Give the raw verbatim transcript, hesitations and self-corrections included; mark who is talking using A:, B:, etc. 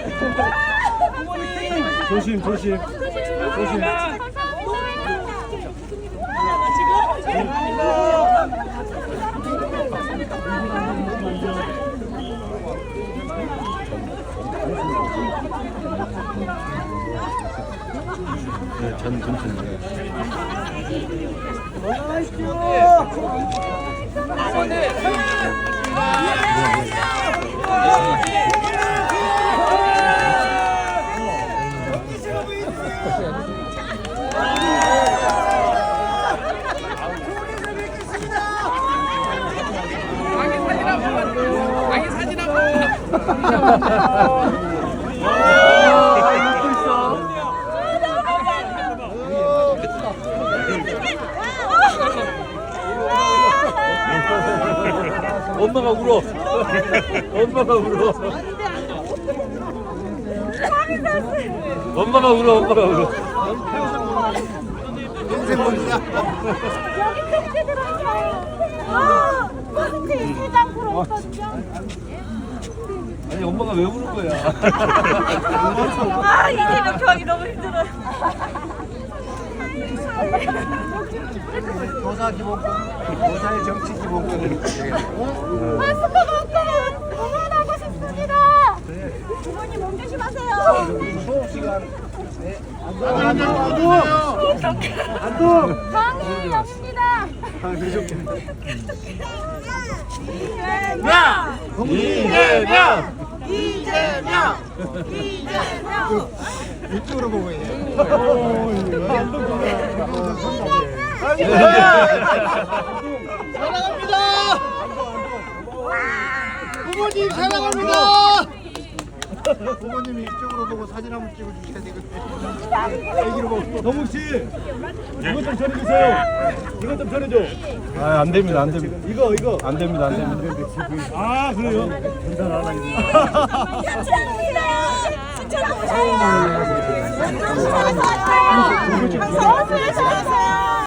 A: 조심 조심 조심. 네, 전 전체. 엄마가 울어. 엄마가 울어. 엄마가 울어. 엄마가 울어.
B: 인생 봅니다.
C: 여기 팬티 들어있어요. 아, 팬티 세 장 들어있거든요.
A: 아니 엄마가 왜 우는 거야?
C: 아, 이재명 교환이 너무 힘들어요.
B: 교사 기본권, 교사의 정치 기본권을
C: 아, 스포츠만큼 응원하고 싶습니다. 부모님 몸 조심하세요.
B: 수업 시간. 네. 안동, 안동, 안동.
C: 강희 영입니다.
B: 이재명, 이재명, 이재명. 이쪽으로 보고 있네. 사랑합니다. 부모님 사랑합니다. 부모님이 이쪽으로 보고 사진 한번 찍어주셔야 되거든요. 애기로 보고.
A: 동욱 씨, 이것 좀 전해주세요. 이것 좀 전해줘. 아, 안 됩니다, 안 됩니다. 이거, 이거. 안 됩니다, 안 됩니다. 아, 그래요? 괜찮아, 하나 있네.
C: 축하합니다. 축하합니다.